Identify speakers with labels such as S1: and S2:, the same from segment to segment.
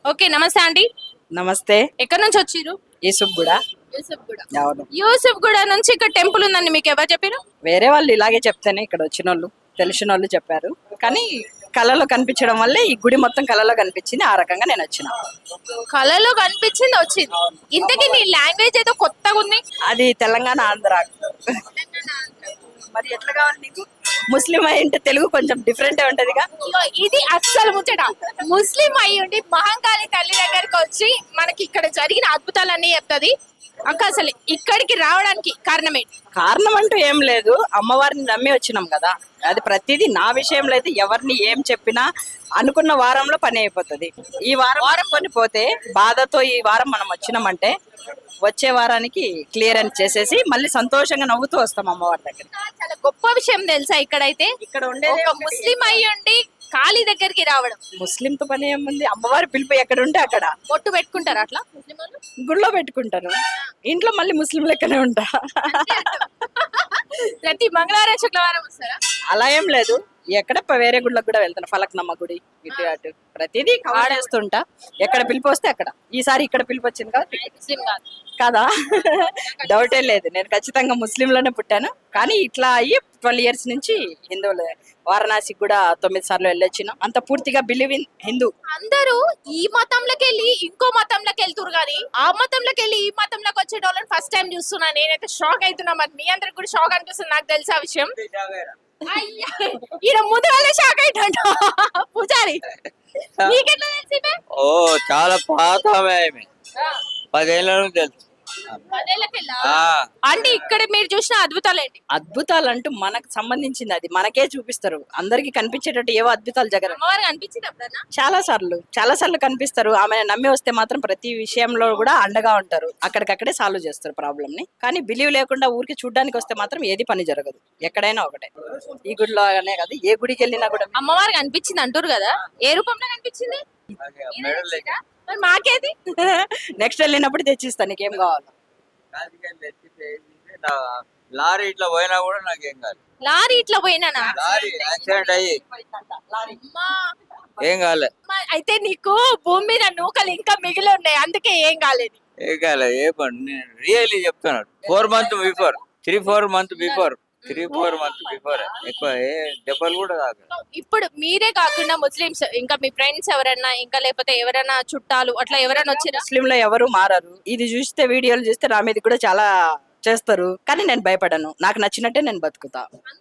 S1: Okay, నమస్తే అండి.
S2: నమస్తే.
S1: ఎక్కడి నుంచి వచ్చిర్రు?
S2: యూసుఫ్ కూడా.
S1: యూసఫ్గూడ.
S2: అవును.
S1: యూసఫ్గూడ నుంచి ఇక్కడ టెంపుల్ ఉందని మీకు ఎవరు చెప్పారు?
S2: వేరే వాళ్ళు ఇలాగే చెప్తేనే ఇక్కడ వచ్చిన వాళ్ళు తెలిసిన వాళ్ళు చెప్పారు. కానీ కళలో కనిపించడం వల్లే ఈ గుడి మొత్తం కళలో కనిపించింది. ఆ రకంగా నేను వచ్చిన.
S1: కళలో కనిపించింది వచ్చింది. ఇంతకీ నీ లాంగ్వేజ్ ఏదో కొత్తగా ఉంది.
S2: అది తెలంగాణ ఆంధ్ర. మరి ఎట్లా కావాలి నీకు? ముస్లిం అయింటే తెలుగు కొంచెం డిఫరెంట్ ఉంటదిగా.
S1: ఇగో ఇది అస్సలు ముచ్చట. ముస్లిం అయి ఉండి మహంకాళి తల్లి దగ్గరికి వచ్చి మనకి ఇక్కడ జరిగిన అద్భుతాలన్నీ చెప్తుంది. అక్క అసలు ఇక్కడికి రావడానికి కారణం ఏంటి?
S2: కారణం అంటూ ఏం లేదు. అమ్మవారిని నమ్మి వచ్చినాం కదా. అది ప్రతిదీ నా విషయంలో అయితే ఎవరిని ఏం చెప్పినా అనుకున్న వారంలో పని అయిపోతుంది. ఈ వారం కొని పోతే బాధతో ఈ వారం మనం వచ్చినామంటే వచ్చే వారానికి క్లియర్ అని చేసేసి మళ్ళీ సంతోషంగా నవ్వుతూ వస్తాం అమ్మవారి దగ్గర.
S1: చాలా గొప్ప విషయం తెలుసా ఇక్కడైతే.
S2: ఇక్కడ ఉండే
S1: ఒక ముస్లిం అయి ఉండి కాళీ దగ్గరికి రావడం.
S2: ముస్లింతో పని ఏముంది? అమ్మవారి పిలుపు ఎక్కడ ఉంటే అక్కడ
S1: బొట్టు పెట్టుకుంటారు అట్లా ముస్లిం వాళ్ళు.
S2: గుళ్ళో పెట్టుకుంటారు. ఇంట్లో మళ్ళీ ముస్లిం లెక్కనే ఉంటా.
S1: ప్రతి మంగళవారం శుక్రవారం వస్తారా?
S2: అలా ఏం లేదు. ఎక్కడ వేరే గుళ్ళకి కూడా వెళ్తాను. ఫలక్నమ్మ గుడి ఇటు అటు ప్రతిదీ ఆడేస్తుంటా. ఎక్కడ పిలిపి వస్తే అక్కడ. ఈసారి ఇక్కడ పిలిపి వచ్చింది కదా.
S1: ముస్లిం కాదు
S2: కదా, డౌటే లేదు. నేను ఖచ్చితంగా ముస్లింలోనే పుట్టాను. కానీ ఇట్లా అయ్యి 12 years నుంచి హిందువులే. వారణాసికి కూడా 9 సార్లు వెళ్ళొచ్చిన. అంత పూర్తిగా బిలీవ్ ఇన్ హిందూ.
S1: అందరూ ఈ మతంలోకి వెళ్ళి ఇంకో మతంలోకి వెళ్తురు కానీ ఆ మతంలోకి వెళ్ళి ఈ మతంలోకి వచ్చే వాళ్ళని ఫస్ట్ టైం చూస్తున్నా. నేనైతే షాక్ అవుతున్నా. మరి మీ అందరికి కూడా షాక్ అనిపిస్తుంది. నాకు తెలిసి ఆ విషయం. ఈయన ముందు వాళ్ళే షాక్ అయిటంట పూజారి. నీకెట్లా తెలిసి?
S3: ఓ చాలా పాత ఆమె. 10 ఏళ్ళ నుంచి తెలుసు.
S1: అంటే ఇక్కడ మీరు చూసిన అద్భుతాలు ఏంటి?
S2: అద్భుతాలు అంటూ మనకు సంబంధించింది. అది మనకే చూపిస్తారు. అందరికి కనిపించేటట్టు ఏవో అద్భుతాలు జగన్
S1: అమ్మవారికి అనిపించింది ఎప్పుడన్నా?
S2: చాలా సార్లు కనిపిస్తారు. ఆమె నమ్మి వస్తే మాత్రం ప్రతి విషయంలో కూడా అండగా ఉంటారు. అక్కడికక్కడే సాల్వ్ చేస్తారు ప్రాబ్లమ్ ని. కానీ బిలీవ్ లేకుండా ఊరికి చూడడానికి వస్తే మాత్రం ఏది పని జరగదు. ఎక్కడైనా ఒకటే. ఈ గుడిలో అనే కాదు, ఏ గుడికి వెళ్ళినా కూడా
S1: అమ్మవారికి అనిపించింది అంటారు కదా. ఏ రూపంలో కనిపించింది? మరి మాకేది?
S2: నెక్స్ట్ వెళ్ళినప్పుడు తెచ్చిస్తా. నీకేం కావాలి?
S3: లారీ ఇట్లా పోయినా కూడా నాకేం కాదు.
S1: లారీ ఇట్లా పోయినా?
S3: లారీ యాక్సిడెంట్ అయ్యి ఏం కాలే.
S1: అయితే నీకు భూమి మీద నూకలు ఇంకా మిగిలి ఉన్నాయి, అందుకే ఏం కాలేదు.
S3: ఏం కాలే. ఏ పని నేను రియల్లీ చెప్తున్నాను. 4 months before 3-4 months before 3-4 months before ఎక్కువ ఏ దెబ్బలు కూడా కాదు.
S1: ఇప్పుడు మీరే కాకుండా ముస్లిమ్స్ ఇంకా మీ ఫ్రెండ్స్ ఎవరన్నా ఇంకా లేకపోతే ఎవరైనా చుట్టాలు అట్లా ఎవరైనా వచ్చినా?
S2: ముస్లింలో ఎవరు మారరు. ఇది చూస్తే వీడియోలు చూస్తే నా మీద కూడా చాలా చేస్తారు. కానీ నేను భయపడను. నాకు నచ్చినట్టే నేను బతుకుతా.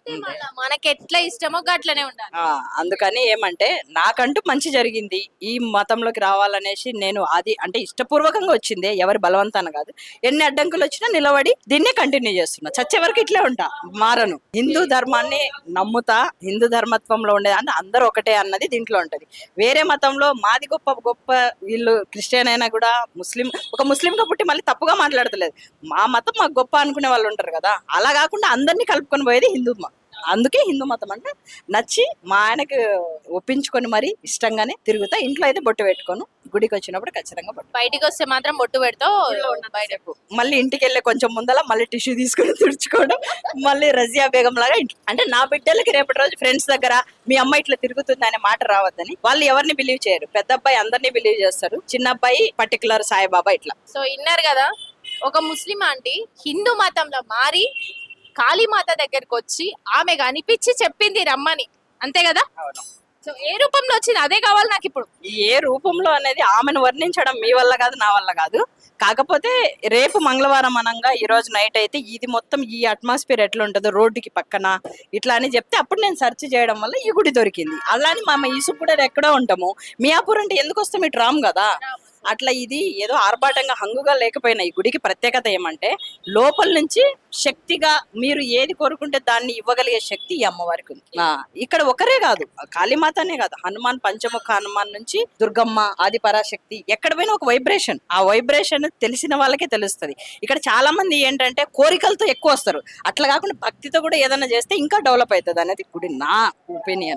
S1: మనకి ఎట్లా ఇష్టమో అట్లనే ఉండాలి.
S2: అందుకని ఏమంటే నాకంటూ మంచి జరిగింది. ఈ మతంలోకి రావాలనేసి నేను అది అంటే ఇష్టపూర్వకంగా వచ్చింది. ఎవరి బలవంతాన కాదు. ఎన్ని అడ్డంకులు వచ్చినా నిలబడి దీన్నే కంటిన్యూ చేస్తున్నా. చచ్చే వరకు ఇట్లే ఉంటా, మారను. హిందూ ధర్మాన్ని నమ్ముతా. హిందూ ధర్మత్వంలో ఉండేది అంటే అందరూ ఒకటే అన్నది దీంట్లో ఉంటది. వేరే మతంలో మాది గొప్ప గొప్ప, వీళ్ళు క్రిస్టియన్ అయినా కూడా ముస్లిం, ఒక ముస్లింగా పుట్టి మళ్ళీ తప్పుగా మాట్లాడతలేదు. మా మతం మాకు గొప్ప అనుకునే వాళ్ళు ఉంటారు కదా. అలా కాకుండా అందరినీ కలుపుకొని పోయేది హిందూ మతం. అందుకే హిందూ మతం అంటే నచ్చి మా ఆయనకు ఒప్పించుకొని మరి ఇష్టంగానే తిరుగుతా. ఇంట్లో అయితే బొట్టు పెట్టుకోను. గుడికి వచ్చినప్పుడు ఖచ్చితంగా బొట్టు.
S1: బయటికి వస్తే మాత్రం బొట్టు పెడతావు.
S2: బయటకు మళ్ళీ ఇంటికి వెళ్ళే కొంచెం ముందల మళ్ళీ టిష్యూ తీసుకొని తుడుచుకోవడం. మళ్ళీ రజియా బేగం లాగా అంటే నా బిడ్డలకి రేపటి రోజు ఫ్రెండ్స్ దగ్గర మీ అమ్మ ఇట్లా తిరుగుతుంది అనే మాట రావద్దని. వాళ్ళు ఎవరిని బిలీవ్ చేయరు. పెద్ద అబ్బాయి అందరినీ బిలీవ్ చేస్తారు. చిన్న అబ్బాయి పర్టికులర్ సాయిబాబా ఇట్లా.
S1: సో ఇన్నారు కదా, ఒక ముస్లిం ఆంటీ హిందూ మతంలో మారి కాళీమాత దగ్గరకు వచ్చి ఆమె కనిపించి చెప్పింది రమ్మని, అంతే కదా? సో ఏ రూపంలో వచ్చింది అదే కావాలి నాకు ఇప్పుడు.
S2: ఏ రూపంలో అనేది ఆమెను వర్ణించడం మీ వల్ల కాదు, నా వల్ల కాదు. కాకపోతే రేపు మంగళవారం అనంగా ఈ రోజు నైట్ అయితే ఇది మొత్తం ఈ అట్మాస్ఫియర్ ఎట్లా ఉంటుందో రోడ్డుకి పక్కన ఇట్లా అని చెప్తే అప్పుడు నేను సెర్చ్ చేయడం వల్ల ఈ గుడి దొరికింది. అలానే మా యూసుఫ్ కూడా ఎక్కడో ఉంటాము. మియాపూర్ అంటే ఎందుకు వస్తాం, ఇటు రాము కదా. అట్లా ఇది ఏదో ఆర్భాటంగా హంగుగా లేకపోయినా ఈ గుడికి ప్రత్యేకత ఏమంటే లోపల నుంచి శక్తిగా మీరు ఏది కోరుకుంటే దాన్ని ఇవ్వగలిగే శక్తి ఈ అమ్మవారికి ఉంది. ఇక్కడ ఒకరే కాదు, కాళీమాతనే కాదు, హనుమాన్, పంచముఖ హనుమాన్ నుంచి దుర్గమ్మ, ఆది పరాశక్తి, ఎక్కడ పోయినా ఒక వైబ్రేషన్. ఆ వైబ్రేషన్ తెలిసిన వాళ్ళకే తెలుస్తుంది. ఇక్కడ చాలా మంది ఏంటంటే కోరికలతో ఎక్కువ వస్తారు. అట్లా కాకుండా భక్తితో కూడా ఏదైనా చేస్తే ఇంకా డెవలప్ అవుతుంది అనేది గుడి, నా ఒపీనియన్.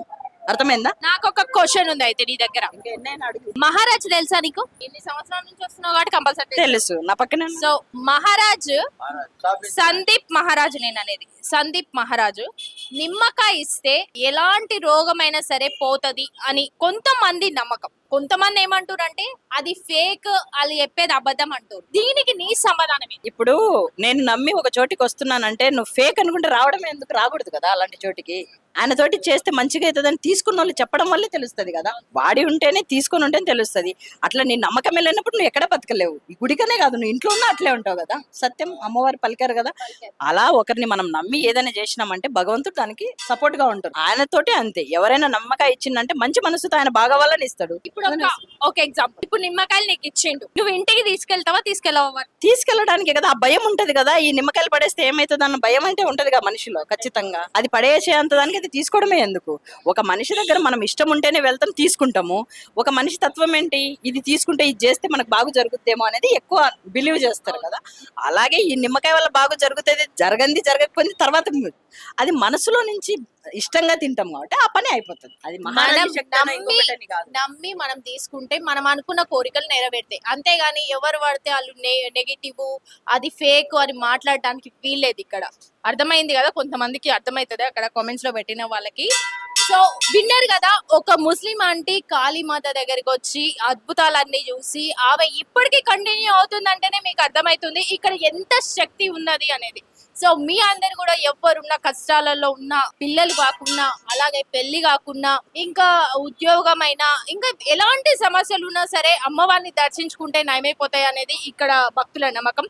S2: అర్థమైందా?
S1: నాకు ఒక క్వశ్చన్ ఉంది అయితే నీ దగ్గర. మహారాజ్ తెలుసా నీకు? ఇన్ని సంవత్సరాల నుంచి వస్తున్నావు కాబట్టి కంపల్సరీ
S2: తెలుసు, నా పక్కన
S1: సో మహారాజ్ సందీప్ మహారాజు నేను అనేది సందీప్ మహారాజు నిమ్మకాయ ఇస్తే ఎలాంటి రోగమైనా సరే పోతది అని కొంతమంది నమ్మకం. కొంతమంది ఏమంటారు అంటే అది ఫేక్, వాళ్ళు చెప్పేది అబద్ధం అంటారు. దీనికి నీ సమాధానం ఏంటి?
S2: ఇప్పుడు నేను నమ్మి ఒక చోటికి వస్తున్నానంటే నువ్వు ఫేక్ అనుకుంటే రావడం ఎందుకు? రాకూడదు కదా అలాంటి చోటికి. ఆయన తోటి చేస్తే మంచిగా అవుతుందని తీసుకున్న వాళ్ళు చెప్పడం వల్లే తెలుస్తుంది కదా. వాడి ఉంటేనే తీసుకొని ఉంటేనే తెలుస్తుంది. అట్లా నీ నమ్మకం వెళ్ళినప్పుడు నువ్వు ఎక్కడ బతకలేవు. ఈ గుడికనే కాదు, నువ్వు ఇంట్లో ఉన్నా అట్లే ఉంటావు కదా. సత్యం అమ్మవారు పలికారు కదా. అలా ఒకరిని మనం నమ్మి ఏదైనా చేసినామంటే భగవంతుడు దానికి సపోర్ట్ గా ఉంటాడు. ఆయనతోటి అంతే. ఎవరైనా నమ్మకాయ ఇచ్చిందంటే మంచి మనసుతో ఆయన బాగవాలని ఇస్తాడు.
S1: ఇప్పుడు ఒక ఎగ్జాంపుల్, ఇప్పుడు నిమ్మకాయలు నీకు ఇచ్చిండు, నువ్వు ఇంటికి తీసుకెళ్తావా తీసుకెళ్ళవా?
S2: తీసుకెళ్ళడానికి కదా, ఆ భయం ఉంటది కదా. ఈ నిమ్మకాయలు పడేస్తే ఏమైతుంది అన్న భయం అంటే ఉంటది కదా మనిషిలో ఖచ్చితంగా. అది పడేసేంత దానికి అది తీసుకోవడమే ఎందుకు? ఒక మనిషి దగ్గర మనం ఇష్టం ఉంటేనే వెళ్తాం, తీసుకుంటాము. ఒక మనిషి తత్వం ఏంటి, ఇది తీసుకుంటే ఇది చేస్తే మనకు బాగు జరుగుద్దేమో అనేది ఎక్కువ బిలీవ్ చేస్తారు కదా. అలాగే ఈ నిమ్మకాయ వల్ల బాగు జరుగుతుంది, జరగంది జరగకపోయింది తర్వాత అది మనసులో నుంచి ఇష్టంగా తింటాం కాబట్టి ఆ పని అయిపోతుంది. అది మహారాజు శక్తి అన్న ఇంకొకటని కాదు.
S1: నమ్మి మనం తీసుకుంటే మనం అనుకున్న కోరికలు నెరవేరుతాయి. అంతేగాని ఎవరు పడితే వాళ్ళు నెగిటివ్, అది ఫేక్ అని మాట్లాడడానికి వీల్లేదు ఇక్కడ. అర్థమైంది కదా, కొంతమందికి అర్థమవుతుంది అక్కడ కామెంట్స్ లో పెట్టిన వాళ్ళకి. సో విన్నారు కదా, ఒక ముస్లిం ఆంటీ కాళీమాత దగ్గరికి వచ్చి అద్భుతాలన్నీ చూసి ఆమె ఇప్పటికీ కంటిన్యూ అవుతుందంటేనే మీకు అర్థమవుతుంది ఇక్కడ ఎంత శక్తి ఉన్నది అనేది. సో మీ అందరు కూడా ఎవరున్న కష్టాలలో ఉన్న పిల్లలు కాకుండా, అలాగే పెళ్లి కాకుండా, ఇంకా ఉద్యోగమైనా, ఇంకా ఎలాంటి సమస్యలు ఉన్నా సరే అమ్మవారిని దర్శించుకుంటే నయమైపోతాయి అనేది ఇక్కడ భక్తుల నమ్మకం.